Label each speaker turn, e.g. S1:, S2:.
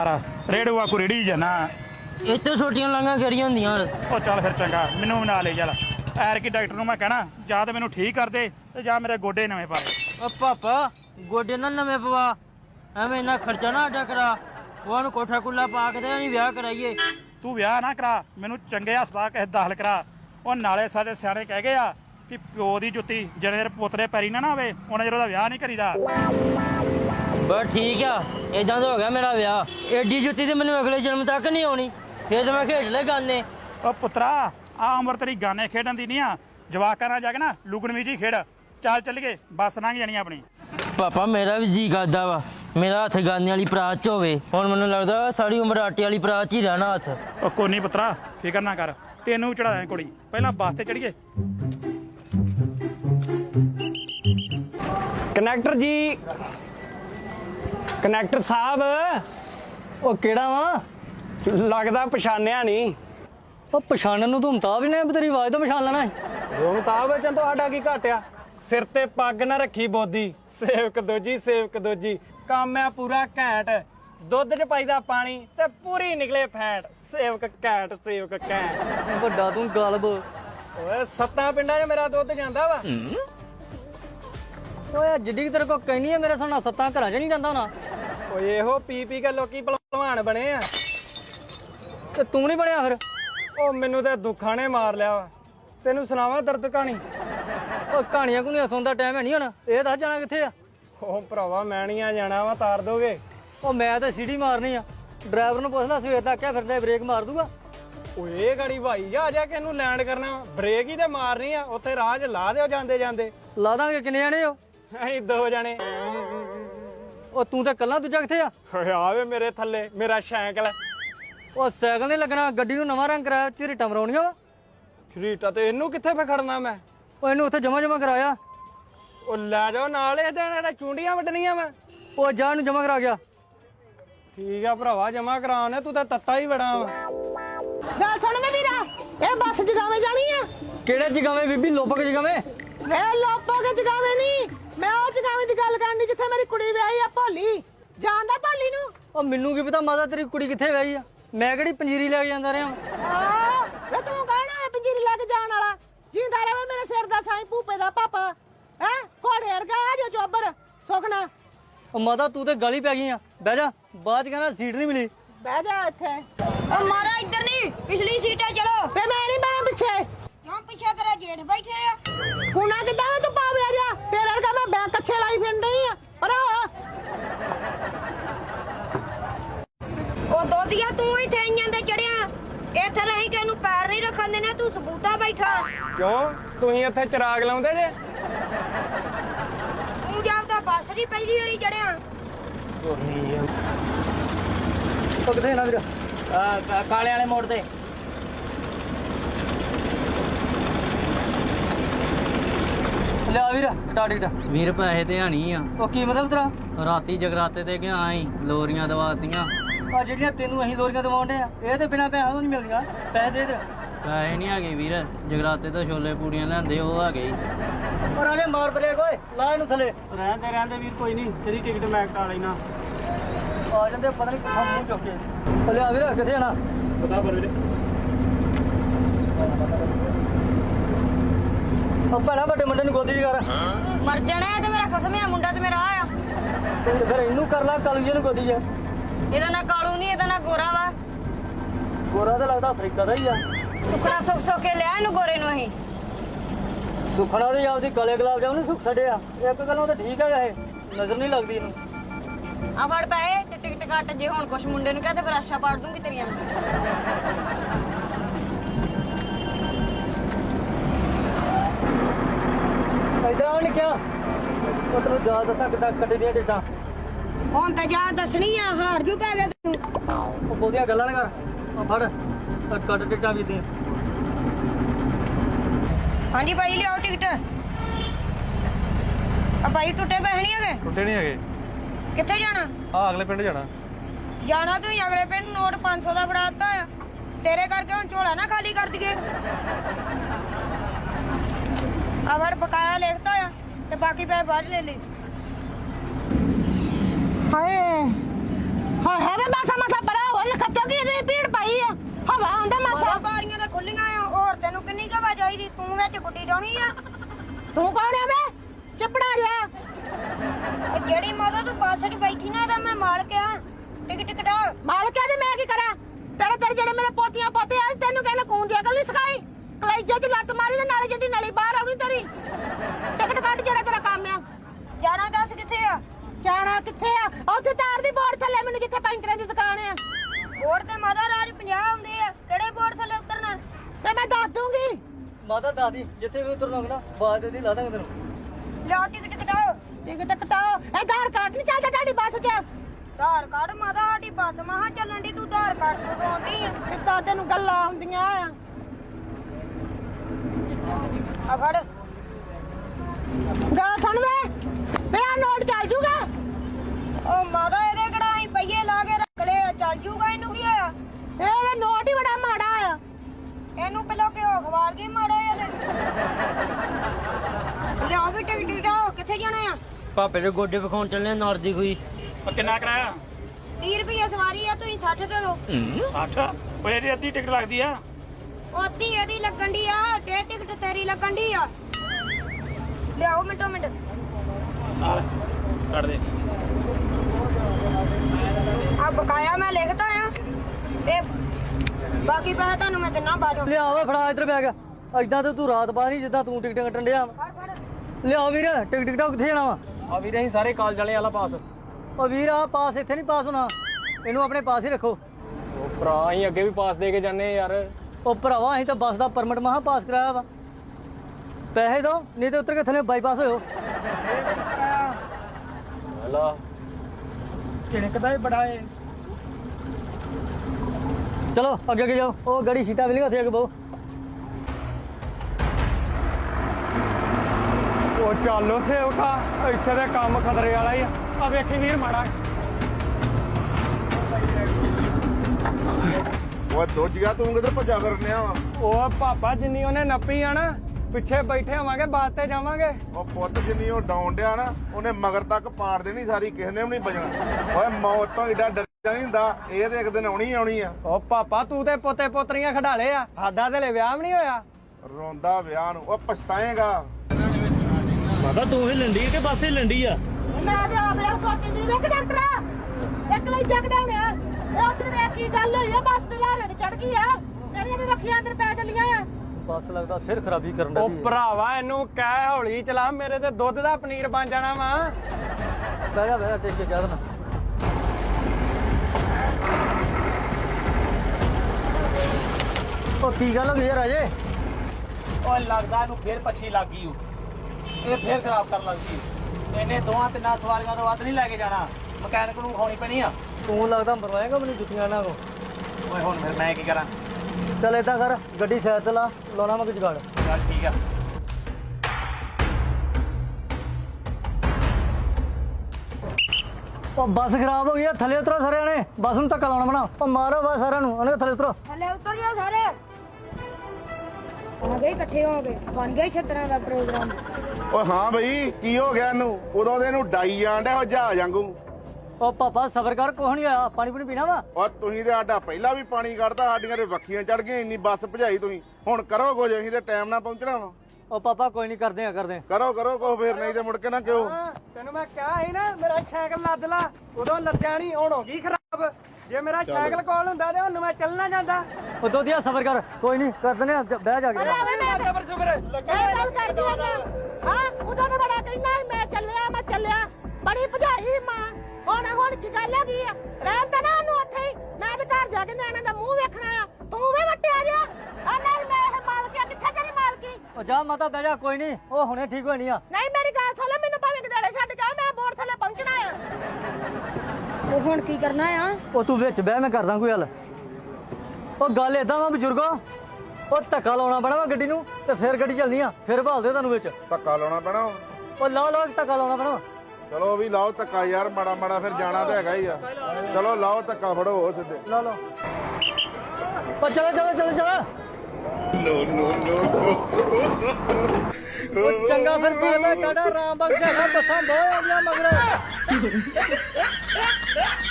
S1: रेड़ूआ को रेड़ी जाना
S2: इतने छोटियां लांघा केड़ियां हुंदियां
S1: चल फिर चंगा मैनू भी ना ले चल ऐर की डॉक्टर नूं मैं कहना जा तो मैनू ठीक कर दे ते जा मेरे गोडे नवें पा दे।
S2: पापा गोडे ना नवें पवा एवें इन्ना खर्चा ना अड्डा करा वो कोठा कुल्ला पा के ते ब्याह कराइए।
S1: तू ब्याह ना करा मैनू चंगे हस्पताल किसे दाखल करा और नाले साडे सियाणे कह गए आ कि प्यो दी जुत्ती जिन्ने चिर पोतरे पैरी ना होवे उन्ने चिर ओहदा ब्याह नहीं करीदा।
S2: बस ठीक है इदां तो हो गया मेरा ब्याह एडी जुत्ती ते मैनू अगले जन्म तक नहीं आनी फिर तो मैं खेड ले गाने।
S1: ओ पुत्रा आ उम्र तेरी गाने खेडन दी नहीं आ जवाकां नाल जाके ना लुगन मिची खेड चल चलीए बस लंघ जानी अपनी।
S2: पापा मेरा भी जी करदा वा मेरा हथ गाने वाली परात च होवे हुण मैनू लगदा सारी उम्र आटे वाली परात च ही रहना हथ।
S1: ओ कोई नहीं पुत्रा फिकर ना कर तेनू चढ़ा दें कुड़ी पहला बस ते चढ़िए।
S3: कनैक्टर जी कनैक्टर साहब
S2: ओ केड़ा वा
S3: लगदा पछाणिया नहीं।
S2: ओ पछाणन नूं तूं अमिताभ ने तेरी आवाज तो पछाण लेना है।
S3: अमिताभ बच्चन तुहाडा की घाटिया सिर ते पग ना रखी बोदी सेवक दोजी काम है पूरा घैंट दुध च पाईदा पानी ते पूरी निकले फैंट सेवक घैंट
S2: ਵੱਡਾ ਤੂੰ ਗਲਬ
S3: ओए सत्तां पिंडां च मेरा दुध जांदा वा।
S2: ਓਏ ਜਿੱਡੀ ਤੇਰੇ ਕੋ ਕਹਿਨੀ ਹੈ ਮੇਰੇ ਸੁਣਾ ਸੱਤਾਂ ਘਰਾਂ 'ਚ ਨਹੀਂ ਜਾਂਦਾ ਹੋਣਾ।
S3: ओए ਇਹੋ ਪੀ ਕੇ ਲੋਕੀ ਭਲਵਾਨ ਬਣੇ ਆ
S2: ਤੇ ਤੂੰ ਨਹੀਂ ਬਣਿਆ ਫਿਰ।
S3: ਉਹ ਮੈਨੂੰ ਤੇ ਦੁੱਖਾਂ ਨੇ ਮਾਰ ਲਿਆ ਵਾ ਤੈਨੂੰ ਸੁਣਾਵਾਂ ਦਰਦ ਕਹਾਣੀ।
S2: ਉਹ ਕਹਾਣੀਆਂ ਕੁਣੀਆਂ ਸੁਣਨ ਦਾ ਟਾਈਮ ਹੈ ਨਹੀਂ ਹੁਣ ਇਹ ਦੱਸ ਜਾਣਾ ਕਿੱਥੇ ਆ।
S3: ਉਹ ਭਰਾਵਾ ਮੈਂ ਨਹੀਂ ਆ ਜਾਣਾ ਵਾ ਤਾਰ ਦੋਗੇ।
S2: ਉਹ ਮੈਂ ਤਾਂ ਸੀੜੀ ਮਾਰਨੀ ਆ ਡਰਾਈਵਰ ਨੂੰ ਪੁੱਛ ਲੈ ਸਵੇਰ ਤੱਕ ਕਿਆ ਫਿਰਦਾ ਬ੍ਰੇਕ ਮਾਰ ਦੂਗਾ।
S3: ਓਏ ਇਹ ਗਾੜੀ ਭਾਈ ਜਾ ਕੇ ਇਹਨੂੰ ਲੈਂਡ ਕਰਨਾ ਬ੍ਰੇਕ ਹੀ ਤੇ ਮਾਰਨੀ ਆ ਉੱਥੇ ਰਾਹ 'ਚ ਲਾ ਦਿਓ ਜਾਂਦੇ
S2: ਲਾ ਦਾਂਗੇ ਕਿੰਨੇ ਜਾਣੇ ਹੋ
S3: ਅਸੀਂ 2 ਜਣੇ।
S2: ਉਹ ਤੂੰ ਤਾਂ ਕੱਲਾ ਦੂਜਾ ਕਿੱਥੇ ਆ।
S3: ਓਏ ਆਵੇ ਮੇਰੇ ਥੱਲੇ ਮੇਰਾ ਸਾਈਕਲ।
S2: ਉਹ ਸਾਈਕਲ ਨਹੀਂ ਲੱਗਣਾ ਗੱਡੀ ਨੂੰ ਨਵਾਂ ਰੰਗ ਕਰਾਇਆ ਝਰੀਟਾਂ ਮਰਾਉਣੀਆਂ ਵਾ।
S3: ਝਰੀਟਾ ਤੇ ਇਹਨੂੰ ਕਿੱਥੇ ਫੇ ਖੜਨਾ ਮੈਂ।
S2: ਉਹ ਇਹਨੂੰ ਉੱਥੇ ਜਮਾ ਕਰਾਇਆ।
S3: ਉਹ ਲੈ ਜਾਓ ਨਾਲ ਇਹਦੇ ਚੁੰਡੀਆਂ ਵੱਢਣੀਆਂ ਮੈਂ।
S2: ਉਹ ਜਾ ਨੂੰ ਜਮਾ ਕਰਾ ਗਿਆ।
S3: ਠੀਕ ਆ ਭਰਾਵਾ ਜਮਾ ਕਰਾਉਣੇ ਤੂੰ ਤਾਂ ਤੱਤਾ ਹੀ ਬੜਾ ਵਾ।
S4: ਗੱਲ ਸੁਣ ਵੇ ਵੀਰਾ ਇਹ ਬੱਸ ਜਗਾਵੇਂ ਜਾਣੀ ਆ।
S2: ਕਿਹੜੇ ਜਗਾਵੇਂ ਬੀਬੀ ਲੋਪਕ ਜਗਾਵੇਂ।
S4: ਵੇ ਲੋਪੋ ਕੇ ਜਗਾਵੇਂ ਨਹੀਂ ਮੈਂ ਉਹ ਜਗਾਵੇਂ ਦੀ ਗੱਲ ਕਰਨੀ ਜਿੱਥੇ ਮੇਰੀ ਕੁੜੀ ਵਿਆਹੀ ਆ ਭੋਲੀ ਜਾਣਦਾ ਭੋਲੀ ਨੂੰ।
S2: ਉਹ ਮੈਨੂੰ ਕੀ ਪਤਾ ਮਾਤਾ ਤੇਰੀ ਕੁੜੀ ਕਿੱਥੇ ਵਿਆਹੀ ਆ ਮੈਂ ਕਿਹੜੀ ਪੰਜੀਰੀ ਲੈ ਕੇ ਜਾਂਦਾ ਰਿਹਾ।
S4: ਵੇ ਤੂੰ ਕਹਿਣਾ ਪੰਜੀਰੀ ਲੈ ਕੇ ਜਾਣ ਵਾਲਾ ਜਿੰਦਾ ਰਵੇ ਮੇਰੇ ਸਿਰ ਦਾ ਸਾਈਂ ਭੂਪੇ ਦਾ ਪਾਪਾ ਹੈ ਘੋੜੇ ਵਰਗਾ ਆ ਜੋ ਚੋਬਰ ਸੁਖਣਾ।
S2: ਉਹ ਮਾਤਾ ਤੂੰ ਤੇ ਗਲੀ ਪੈ ਗਈ ਆ ਬਹਿ ਜਾ ਬਾਅਦ ਚ ਕਹਿੰਦਾ ਸੀਟ ਨਹੀਂ ਮਿਲੀ।
S4: ਬਹਿ ਜਾ ਇੱਥੇ
S5: ਉਹ ਮਾਰਾ ਇੱਧਰ ਨਹੀਂ ਪਿਛਲੀ ਸੀਟਾਂ ਚਲੋ।
S4: ਵੇ ਮੈਂ ਨਹੀਂ ਬਹਿਣਾ ਪਿੱਛੇ
S5: ਕਿਉਂ ਪਿੱਛੇ ਤੇਰਾ ਜੇਠ ਬੈਠੇ ਆ।
S4: ਹੁਣਾ ਕਿੱਦਾਂ ਵੇ ਤੂੰ ਪਾਵੇ ਆ ਜਾ ਤੇਰੇ ਵਰਗਾ ਮੈਂ ਬੈਂ ਕੱਛੇ ਲਾਈ ਫਿਰਦੀ ਆ ਪਰ
S5: ਉਹ ਦੋਦੀਆ ਤੂੰ ਇੱਥੇ ਇੰਆਂ ਤੇ ਚੜਿਆ ਇੱਥੇ ਨਹੀਂ ਕਿ ਇਹਨੂੰ ਪੈਰ ਨਹੀਂ ਰੱਖਣ ਦੇਣਾ ਤੂੰ ਸਬੂਤਾ ਬੈਠਾ।
S3: ਕਿਉਂ ਤੁਸੀਂ ਇੱਥੇ ਚਿਰਾਗ ਲਾਉਂਦੇ ਜੇ।
S5: ਤੂੰ ਜਾਂਦਾ ਬੱਸ ਨਹੀਂ ਪਹਿਲੀ ਵਾਰੀ ਚੜਿਆ।
S2: ਉਹ ਕਿੱਥੇ ਨਾ ਵੀਰ ਕਾਲੇ ਵਾਲੇ ਮੋੜ ਤੇ। ਲਿਆ ਵੀਰ ਟਿਕਟ
S6: ਵੀਰ ਪੈਸੇ ਤੇ ਹਣੀ ਆ।
S2: ਉਹ ਕੀ ਮਤਲਬ ਤੇਰਾ
S6: ਰਾਤੀ ਜਗਰਾਤੇ ਤੇ ਗਿਆ ਆਈ ਲੋਰੀਆਂ ਦਵਾਤੀਆਂ।
S2: ਆ ਜਿਹੜੀਆਂ ਤੈਨੂੰ ਅਸੀਂ ਲੋਰੀਆਂ ਦਵਾਉਂਦੇ ਆ ਇਹ ਤੇ ਬਿਨਾਂ ਪੈਸਿਆਂ ਤੋਂ ਨਹੀਂ ਮਿਲਦੀਆਂ ਪੈਸੇ ਦੇ ਦੇ।
S6: ਪੈਸੇ ਨਹੀਂ ਹੈਗੇ ਵੀਰ ਜਗਰਾਤੇ ਤੋਂ ਛੋਲੇ ਪੂੜੀਆਂ ਲੈਂਦੇ ਉਹ ਹੈਗੇ।
S2: ਔਰ ਆਲੇ ਮਾਰ ਬ੍ਰੇਕ ਓਏ ਲਾ ਇਹਨੂੰ ਥੱਲੇ।
S3: ਰਹਿੰਦੇ ਵੀਰ ਕੋਈ ਨਹੀਂ ਤੇਰੀ ਟਿਕਟ ਮੈਂ ਕਟਾ ਲੈਣਾ।
S2: ਆ ਜਾਂਦੇ ਪਤਾ ਨਹੀਂ ਕਿੱਥੋਂ ਮੂੰਹ ਚੁੱਕ ਕੇ। ਲਿਆ ਵੀਰ ਕਿੱਥੇ ਜਾਣਾ
S3: ਪਤਾ ਪਰ ਵੀਰੇ
S2: ਉਹ ਭੈਣਾ ਵੱਡੇ ਮੁੰਡੇ ਨੂੰ ਗੋਦੀ ਚ ਕਰ।
S5: ਮਰ ਜਾਣਾ ਤੇ ਮੇਰਾ ਖਸਮ ਆ ਮੁੰਡਾ ਤੇ ਮੇਰਾ ਆ।
S2: ਤੇ ਫਿਰ ਇਹਨੂੰ ਕਰ ਲਾ ਕਾਲੂ ਨੂੰ ਗੋਦੀ ਚ।
S5: ਇਹਦਾ ਨਾ ਕਾਲੂ ਨਹੀਂ ਇਹਦਾ ਨਾ ਗੋਰਾ ਵਾ।
S2: ਗੋਰਾ ਤਾਂ ਲੱਗਦਾ ਅਫਰੀਕਾ ਦਾ ਹੀ ਆ।
S5: ਸੁਖਣਾ ਸੁੱਖ ਕੇ ਲਿਆ ਇਹਨੂੰ ਗੋਰੇ ਨੂੰ ਅਸੀਂ।
S2: ਸੁਖਣਾ ਦੇ ਆਪਦੀ ਗਲੇ ਗੁਲਾਬ ਜਾਮੁਨ ਸੁੱਖ ਛੱਡਿਆ ਇੱਕ ਗੱਲੋਂ ਤਾਂ ਠੀਕ ਹੈਗਾ ਇਹ ਨਜ਼ਰ ਨਹੀਂ ਲੱਗਦੀ ਇਹਨੂੰ।
S5: ਆ ਫੜ ਪੈਸੇ ਤੇ ਟਿਕਟ ਕੱਟ ਜੇ ਹੁਣ ਕੁਛ ਮੁੰਡੇ ਨੂੰ ਕਹਤੇ ਫਿਰ ਆਸ਼ਾ ਪਾੜ ਦੂੰਗੀ ਤੇਰੀਆਂ।
S2: ਇਧਰ ਆ ਨਿਕਿਆ ਉਹ ਤੈਨੂੰ ਜਾ ਦੱਸਾਂ ਕਿੱਦਾਂ ਕੱਢ ਦੀਆਂ ਡੇਟਾਂ।
S5: ਹੁਣ ਤਾਂ ਜਾ ਦੱਸਣੀ ਆ ਹਾਰ ਜੂ ਪੈ ਗਿਆ ਤੈਨੂੰ।
S2: ਉਹ ਬੋਲਦੀਆਂ ਗੱਲਾਂ ਨਾ ਕਰ ਆ ਫੜ ਆਹ ਕੱਢ ਡੇਟਾਂ ਵੀ ਦੇ।
S5: ਹਾਂਜੀ ਭਾਈ ਲਿਆਓ ਟਿਕਟ। ਆ ਭਾਈ ਟੁੱਟੇ ਪੈਸੇ ਨਹੀਂ ਹੈਗੇ।
S7: ਟੁੱਟੇ ਨਹੀਂ ਹੈਗੇ
S5: ਕਿੱਥੇ ਜਾਣਾ।
S7: ਆ ਅਗਲੇ ਪਿੰਡ ਜਾਣਾ।
S5: ਜਾਣਾ ਤੂੰ ਅਗਲੇ ਪਿੰਡ ਨੋਟ 500 ਦਾ ਫੜਾ ਦਿੱਤਾ ਆ ਤੇਰੇ ਕਰਕੇ ਹੁਣ ਝੋਲਾ ਨਾ ਖਾਲੀ ਕਰ ਦਈਏ। ਆ ਵੜ ਬਕਾਇਆ ਲਿਖਤਾ ਆ ਤੇ ਬਾਕੀ ਪੈਸੇ ਬਾਅਦ ਲੈ ਲਈ।
S4: ਹਾਏ ਹਾਏ ਵੇ ਬਸ ਮਸਾ
S5: ਲਾਉਣੀ ਆ
S4: ਤੂੰ ਕੌਣ ਆ ਵੇ ਚੱਪੜਾ ਰਿਆ
S5: ਉਹ ਜਿਹੜੀ ਮਾਤਾ ਤੂੰ ਬੱਸ 'ਚ ਬੈਠੀ ਨਾ ਤਾਂ ਮੈਂ ਮਾਲਕ ਆ ਟਿਕਟ ਕਟਾ
S4: ਮਾਲਕ ਆ ਤੇ ਮੈਂ ਕੀ ਕਰਾਂ ਤੇਰੇ ਜਿਹੜੇ ਮੇਰੇ ਪੋਤੀਆਂ ਪੋਤੇ ਆ ਤੈਨੂੰ ਕਹਿੰਦਾ ਕੂੰ ਦੀ ਅਕਲ ਨਹੀਂ ਸਿਖਾਈ ਕਲੇਜੇ 'ਚ ਲੱਤ ਮਾਰੀ ਤੇ ਨਾਲੇ ਜਿਹੜੀ ਨਲੀ ਬਾਹਰ ਆਉਣੀ ਤੇਰੀ ਟਿਕਟ ਕੱਟ ਜਿਹੜਾ ਤੇਰਾ ਕੰਮ ਆ
S5: ਜਾਣਾ ਦੱਸ ਕਿੱਥੇ ਆ
S4: ਜਾਣਾ ਕਿੱਥੇ ਆ ਉੱਥੇ ਤਾਰ ਦੀ ਬੋਰਡ ਥੱਲੇ ਮੈਨੂੰ ਜਿੱਥੇ ਪੈਂਟਰਾਂ ਦੀ ਦੁਕਾਨ ਆ
S5: ਬੋਰਡ ਤੇ ਮਾਤਾ ਰਾਜ 50 ਹੁੰਦੇ ਆ ਕਿਹੜੇ ਬੋਰਡ ਥੱਲੇ ਉਤਰਨਾ
S4: ਤੇ ਮੈਂ ਦੱਸ ਦੂੰਗੀ
S2: ਮਾਤਾ ਦਾਦੀ ਜਿੱਥੇ ਵੀ ਉਤਰਨਾ ਹੋਗਾ ਨਾ ਬਾਅਦ ਦੀ ਲਾ ਦਾਂਗੇ ਤੈਨੂੰ
S5: ਲਿਆਓ ਟਿਕਟ ਕਟਾਓ
S4: ਟਿਕਟ ਕਟਾਓ ਇਹ ਆਧਾਰ ਕਾਰਡ ਨਹੀਂ ਚੱਲਦਾ ਤੁਹਾਡੀ ਬੱਸ 'ਚ
S5: ਆਧਾਰ ਕਾਰਡ ਮਾਤਾ ਸਾਡੀ ਬੱਸ ਮਹਾ ਚੱਲਣ ਦੀ ਤੂੰ ਆਧਾਰ ਕਾਰਡ ਲਗਾਉਂਦੀ ਆ
S4: ਕਿੱਦਾਂ ਤੈਨੂੰ ਗੱਲਾਂ ਆਉਂਦੀਆਂ ਆ
S5: ਆ ਫੜ
S4: ਗਾ ਸੁਣ ਵੇ ਮੇਰਾ ਨੋਟ ਚੱਲ ਜੂਗਾ
S5: ਉਹ ਮਾਤਾ ਇਹਦੇ ਕਿਹੜਾ ਅਸੀਂ ਪਈਏ ਲਾ ਕੇ ਰੱਖ ਲਏ ਚੱਲ ਜੂਗਾ ਇਹਨੂੰ ਕੀ ਹੋਇਆ
S4: ਇਹ ਨੋਟ ਹੀ ਬੜਾ ਮਾੜਾ ਆ
S5: ਇਹਨੂੰ ਪਹਿਲਾਂ ਕਿਉਂ ਖਵਾਰ ਗਈ ਮਾੜਾ ਇਹਦੇ ਲਿਆਓ ਵੀ ਟਿਕਟ ਕਟਾਓ ਕਿੱਥੇ ਜਾਣਾ ਆ
S2: ਪਾਪੇ ਦੇ ਗੋਡੇ ਵਿਖਾਉਣ ਚੱਲੇ ਨਾਲ ਦੀ ਕੋਈ
S1: ਉਹ ਕਿੰਨਾ ਕਰਾਇਆ
S5: 30 ਰੁਪਏ ਸਵਾਰੀ ਆ ਤੁਸੀਂ 60 ਦੇ ਦਿਓ
S1: 60 ਉਹ ਇਹਦੀ ਅੱਧੀ ਟਿਕਟ ਲੱਗਦੀ ਆ
S5: ਉਹ ਅੱਧੀ ਇਹਦੀ ਲੱਗਣ ਦੀ ਆ ਤੇ ਟਿਕਟ ਤੇਰੀ ਲੱਗਣ ਦੀ ਆ ਲਿਆਓ ਮਿੰਟੋ ਮਿੰਟ
S1: ਆ ਲੈ, ਕੱਢ ਦੇ
S5: ਆ ਬਕਾਇਆ ਮੈਂ ਲਿਖਦਾ ਆ ਤੇ ਬਾਕੀ ਪੈਸੇ ਤੁਹਾਨੂੰ ਮੈਂ ਦਿਨਾ ਬਾਅਦੋਂ
S2: ਲਿਆ ਵਾ ਫੜਾ ਇੱਧਰ ਬੈਗ ਏਦਾਂ ਤੇ ਤੂੰ ਰਾਤ ਬਾਹਰ ਨਹੀਂ ਜਿੱਦਾਂ ਤੂੰ ਟਿਕਟਾਂ ਕੱਟਣ ਡਿਆ
S5: ਫੜ ਫੜ
S2: ਲਿਆ ਵੀਰ ਟਿਕਟਾਂ ਕਿੱਥੇ ਜਾਣਾ ਵਾ
S3: ਆ ਵੀਰੇ ਅਸੀਂ ਸਾਰੇ ਕਾਲਜ ਵਾਲੇ ਵਾਲਾ ਪਾਸ
S2: ਉਹ ਵੀਰ ਆ ਪਾਸ ਇੱਥੇ ਨਹੀਂ ਪਾਸ ਹੋਣਾ ਇਹਨੂੰ ਆਪਣੇ ਪਾਸ ਹੀ ਰੱਖੋ
S3: ਉਹ ਭਰਾ ਅਸੀਂ ਅੱਗੇ ਵੀ ਪਾਸ ਦੇ ਕੇ ਜਾਂਦੇ ਯਾਰ
S2: ਉਹ ਭਰਾਵਾ ਅਸੀਂ ਤਾਂ ਬੱਸ ਦਾ ਪਰਮਿਟ ਮਹਾ ਪਾਸ ਕਰਾਇਆ ਵਾ ਪੈਸੇ ਦੋ ਨਹੀਂ ਤੇ ਉਤਰ ਕੇ ਥੱਲੇ ਬਾਈਪਾਸ ਹੋਇਓ
S3: ਹਲਾ
S1: ਕਿਣਕਦਾ ਹੀ ਬੜਾ ਏ
S2: ਚਲੋ ਅੱਗੇ ਅੱਗੇ ਜਾਓ ਉਹ ਗੜੀ ਸੀਟਾਂ ਮਿਲੀਆਂ ਉੱਥੇ ਅੱਗੇ ਬਹੁ
S3: ਉਹ ਚੱਲੋ ਸੇਵਕਾ ਇੱਥੇ ਦੇ ਕੰਮ ਖਤਰੇ ਵਾਲਾ ਹੀ ਆ ਵੇਖੀ ਵੀਰ ਮਾੜਾ
S7: ਉਹ ਦੋਜੀਆ ਤੂੰ ਕਿੱਧਰ ਭੱਜਾ ਫਿਰਨਿਆ ਵਾ
S3: ਉਹ ਪਾਪਾ ਜਿੰਨੀ ਉਹਨੇ ਨੱਪੀ ਆ ਨਾ ਪਿੱਛੇ ਬੈਠੇ ਹੋਵਾਂਗੇ ਬਾਤ ਤੇ ਜਾਵਾਂਗੇ
S7: ਉਹ ਪੁੱਤ ਜਿੰਨੀ ਉਹ ਡਾਉਣ ਡਿਆ ਨਾ ਉਹਨੇ ਮਗਰ ਤੱਕ ਪਾੜ ਦੇਣੀ ਸਾਰੀ ਕਿਸੇ ਨੇ ਵੀ ਨਹੀਂ ਬਚਣਾ ਓਏ ਮੌਤ ਤੋਂ ਏਡਾ ਡਰਿਆ ਨਹੀਂ ਹੁੰਦਾ ਇਹ ਤੇ ਇੱਕ ਦਿਨ ਆਉਣੀ ਆਉਣੀ ਆ
S3: ਉਹ ਪਾਪਾ ਤੂੰ ਤੇ ਪੋਤੇ ਪੋਤਰੀਆਂ ਖਡਾਲੇ ਆ ਸਾਡਾ ਤੇ ਲੈ ਵਿਆਹ ਵੀ ਨਹੀਂ ਹੋਇਆ
S7: ਰੋਂਦਾ ਵਿਆਹ ਨੂੰ ਉਹ ਪਛਤਾਏਗਾ
S2: ਮਾਤਾ ਤੂੰ ਹੀ ਲੰਡੀ ਕਿ ਬੱਸ ਹੀ ਲੰਡੀ ਆ
S4: ਮੈਂ ਤੇ ਆ ਗਿਆ ਸੋਚਦੀ ਵੇਖ ਡਾਕਟਰ ਇੱਕ ਲਈ ਜਗੜਾਉਣਿਆ ਇਹ ਉੱਧਰ ਵੇਖ ਕੀ ਗੱਲ ਹੋਈ ਆ ਬੱਸ ਤੇ ਲਾਰੇ ਤੇ ਚੜ ਗਈ ਆ ਮੇਰੀਆਂ ਵੀ ਅੱਖੀਆਂ ਅੰਦਰ ਪੈ ਚੱਲੀਆਂ ਆ
S2: ਬੱਸ ਲੱਗਦਾ ਫਿਰ ਖਰਾਬੀ ਕਰਨ
S3: ਉਹ
S2: ਲੱਗੀ
S3: ਭਰਾਵਾ ਇਹਨੂੰ ਕਹਿ ਹੌਲੀ ਚਲਾ ਮੇਰੇ ਤੇ ਦੁੱਧ ਦਾ ਪਨੀਰ ਬਣ ਜਾਣਾ ਵਾ
S2: ਬਹਿ ਜਾ ਟੇਕ ਕੇ ਕਹਿ ਦੇਣਾ ਉਹ ਕੀ ਗੱਲ ਹੋ ਗਈ ਯਾਰ ਅਜੇ
S1: ਉਹ ਲੱਗਦਾ ਇਹਨੂੰ ਫੇਰ ਪੱਛੀ ਲੱਗ ਗਈ ਇਹ ਫੇਰ ਖਰਾਬ ਕਰਨ ਲੱਗ ਗਈ ਇਹਨੇ ਦੋਹਾਂ ਤਿੰਨਾਂ ਸਵਾਰੀਆਂ ਤੋਂ ਵੱਧ ਨਹੀਂ ਲੈ ਕੇ ਜਾਣਾ ਮਕੈਨਿਕ ਨੂੰ ਖਾਣੀ ਪੈਣੀ ਆ
S2: ਤੂੰ ਲੱਗਦਾ ਮਰਵਾਏਗਾ ਮੈਨੂੰ ਜੁੱਤੀਆਂ ਨਾਲ ਕੋ
S1: ਓਏ ਹੁਣ ਫਿਰ ਮੈਂ ਕੀ ਕਰਾਂ
S2: ਚੱਲ ਏਦਾਂ ਕਰ ਗੱਡੀ ਸਾਈਡ ਤੇ ਲਾ ਲਾਉਣਾ ਮੈਂ ਕੁਝ ਜਗਾੜ
S1: ਚੱਲ ਠੀਕ ਆ
S2: ਉਹ ਬੱਸ ਖਰਾਬ ਹੋ ਗਈ ਆ ਥੱਲੇ ਉਤਰੋ ਸਾਰਿਆਂ ਨੇ ਬੱਸ ਨੂੰ ਧੱਕਾ ਲਾਉਣਾ ਬਣਾ ਉਹ ਮਾਰੋ ਬਸ ਸਾਰਿਆਂ ਨੂੰ ਉਹਨੇ ਥੱਲੇ ਉਤਰੋ
S5: ਥੱਲੇ ਉਤਰ ਜਾਓ ਸਾਰੇ ਆ ਗਏ ਇਕੱਠੇ ਹੋ ਗਏ ਬਣ ਗਿਆ ਛਤਰਾਂ ਦਾ ਪ੍ਰੋਗਰਾਮ
S7: ਓਏ ਹਾਂ ਬਈ ਕੀ ਹੋ ਗਿਆ ਇਹਨੂੰ ਉਦੋਂ ਦੇ ਇਹਨੂੰ ਡਾਈ ਜਾਣ ਡਿਆ ਉਹ ਜਹਾਜ਼ ਵਾਂਗੂ
S2: ਉਹ ਪਾਪਾ ਸਬਰ ਕਰ ਕੁਛ ਨਹੀਂ ਹੋਇਆ ਪਾਣੀ ਪੂਣੀ ਪੀਣਾ ਵਾ
S7: ਓ ਤੁਸੀਂ ਤੇ ਸਾਡਾ ਪਹਿਲਾਂ ਵੀ ਪਾਣੀ ਕੱਢਦਾ ਸਾਡੀਆਂ ਤੇ ਵੱਖੀਆਂ ਚੜ ਗਈਆਂ ਇੰਨੀ ਬੱਸ ਭਜਾਈ ਤੁਸੀਂ ਹੁਣ ਕਰੋ ਕੁਝ ਅਸੀਂ ਤੇ ਟਾਈਮ ਨਾਲ ਪਹੁੰਚਣਾ ਵਾ
S2: ਉਹ ਪਾਪਾ ਕੋਈ ਨਹੀਂ ਕਰਦੇ ਆ
S7: ਕਰੋ ਕੁਝ ਫੇਰ ਨਹੀਂ ਤੇ ਮੁੜ ਕੇ ਨਾ ਕਿਉਂ
S3: ਤੈਨੂੰ ਮੈਂ ਕਿਹਾ ਸੀ ਨਾ ਮੇਰਾ ਸਾਈਕਲ ਲੱਦ ਲਾ ਉਦੋਂ ਲੱਦਿਆ ਨਹੀਂ ਹੁਣ ਹੋ ਗਈ ਖਰਾਬ ਜੇ ਮੇਰਾ ਸਾਈਕਲ ਕੋਲ ਹੁੰਦਾ ਤੇ ਹੁਣ ਮੈਂ ਚੱਲਣਾ ਜਾਂਦਾ
S2: ਉਹ ਦੋਦੀਆ ਸਬਰ ਕਰ ਕੋਈ ਨਹੀਂ ਕਰ ਦਿੰਦੇ ਆ ਬਹਿ ਜਾ ਕੇ
S3: ਸਬਰ ਸੁਬਰ
S4: ਇਹ ਗੱਲ ਕਰਦੀ ਆ ਹਾਂ ਉਦੋਂ ਤਾਂ ਬੜਾ ਕਹਿੰਦਾ ਸੀ, ਮੈਂ ਚੱਲਿਆ ਬੜੀ ਭਜਾਈ ਮਾਂ ਹੁਣ ਕੀ ਗੱਲ ਹੋ ਗਈ ਆ ਰਹਿਣ ਤਾਂ ਨਾ ਉਹਨੂੰ ਉੱਥੇ ਹੀ ਮੈਂ ਤੇ ਘਰ ਜਾ ਕੇ ਨਿਆਣੇ ਦਾ ਮੂੰਹ ਵੇਖਣਾ ਆ ਤੂੰ ਵੀ ਵੱਟਿਆ ਜਾ ਆ ਨਹੀਂ ਮੈਂ ਇਹ ਮਾਲਕੀ ਕਿੱਥੇ ਤੇਰੀ ਮਾਲਕੀ
S2: ਉਹ ਜਾ ਮਾਤਾ ਬਹਿ ਜਾ ਕੋਈ ਨਹੀਂ ਉਹ ਹੁਣੇ ਠੀਕ ਹੋਣੀ ਆ
S4: ਨਹੀਂ ਮੇਰੀ ਗੱਲ ਸੁਣ ਲੈ ਮੈਨੂੰ ਭਾਵੇਂ ਕਿਤੇ ਛੱਡ ਕੇ ਆ, ਮੈਂ ਬੋਰ ਥੱਲੇ ਪਹੁੰਚਣਾ ਆ
S5: ਉਹ ਹੁਣ ਕੀ ਕਰਨਾ ਆ
S2: ਉਹ ਤੂੰ ਵਿੱਚ ਬਹਿ ਮੈਂ ਕਰਦਾ ਕੋਈ ਹੱਲ ਉਹ ਗੱਲ ਏਦਾਂ ਵਾ ਬਜ਼ੁਰਗੋ ਉਹ ਧੱਕਾ ਲਾਉਣਾ ਪੈਣਾ ਵਾ ਗੱਡੀ ਨੂੰ ਤੇ ਫਿਰ ਗੱਡੀ ਚੱਲਣੀ ਆ ਫਿਰ ਭਾਲ ਦੇ ਤੁਹਾਨੂੰ ਵਿੱਚ
S7: ਧੱਕਾ ਲਾਉਣਾ ਪੈਣਾ
S2: ਉਹ ਲਾਓ ਧੱਕਾ ਲਾਉਣਾ ਪੈਣਾ
S7: ਚਲੋ ਵੀ ਲਾਓ ਧੱਕਾ ਯਾਰ ਮਾੜਾ ਫਿਰ ਜਾਣਾ ਤੇ ਹੈਗਾ ਹੀ ਆ ਚਲੋ ਲਾਓ ਧੱਕਾ ਫੜੋ ਹੋ ਸਿੱਧੇ
S2: ਲਾ ਲਓ ਉਹ ਚਲੋ ਉਹ ਚੰਗਾ ਫਿਰ ਮੈਂ ਕਾੜਾ ਰਾਮ ਬਖਸ਼ ਹੈਗਾ ਬੱਸਾਂ ਬਹੁਤ ਆਉਂਦੀਆਂ ਮਗਰ